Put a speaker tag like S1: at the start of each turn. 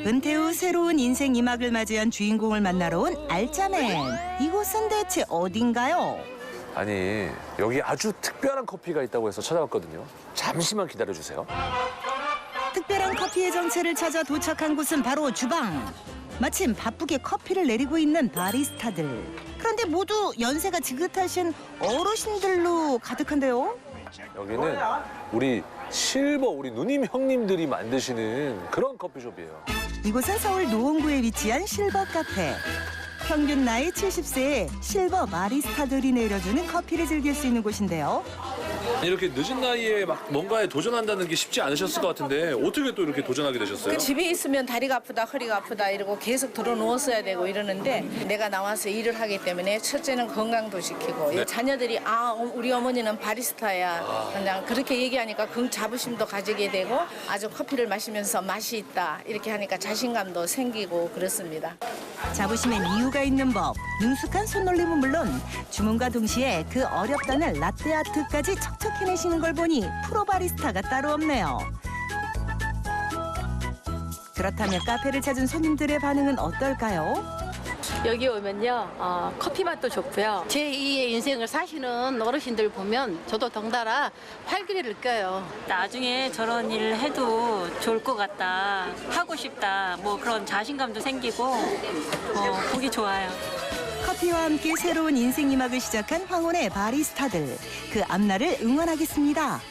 S1: 은퇴 후 새로운 인생 2막을 맞이한 주인공을 만나러 온 알짜맨. 이곳은 대체 어딘가요?
S2: 아니, 여기 아주 특별한 커피가 있다고 해서 찾아왔거든요. 잠시만 기다려주세요.
S1: 특별한 커피의 정체를 찾아 도착한 곳은 바로 주방. 마침 바쁘게 커피를 내리고 있는 바리스타들. 그런데 모두 연세가 지긋하신 어르신들로 가득한데요.
S2: 여기는 우리 누님 형님들이 만드시는 그런 커피숍이에요.
S1: 이곳은 서울 노원구에 위치한 실버 카페. 평균 나이 70세의 실버 바리스타들이 내려주는 커피를 즐길 수 있는 곳인데요.
S2: 이렇게 늦은 나이에 막 뭔가에 도전한다는 게 쉽지 않으셨을 것 같은데 어떻게 또 이렇게 도전하게 되셨어요?
S3: 그 집에 있으면 다리가 아프다, 허리가 아프다 이러고 계속 들어 누웠어야 되고 이러는데 내가 나와서 일을 하기 때문에 첫째는 건강도 지키고
S2: 네.
S3: 자녀들이 우리 어머니는 바리스타야 그냥 그렇게 얘기하니까 그 자부심도 가지게 되고 아주 커피를 마시면서 맛이 있다 이렇게 하니까 자신감도 생기고 그렇습니다.
S1: 자부심엔 이유가 있는 법. 능숙한 손놀림은 물론 주문과 동시에 그 어렵다는 라떼 아트까지 척척 해내시는 걸 보니 프로 바리스타가 따로 없네요. 그렇다면 카페를 찾은 손님들의 반응은 어떨까요?
S4: 여기 오면요, 커피 맛도 좋고요. 제2의 인생을 사시는 어르신들 보면 저도 덩달아 활기를 느껴요.
S5: 나중에 저런 일을 해도 좋을 것 같다, 하고 싶다, 뭐 그런 자신감도 생기고 보기 좋아요.
S1: 커피와 함께 새로운 인생 2막을 시작한 황혼의 바리스타들. 그 앞날을 응원하겠습니다.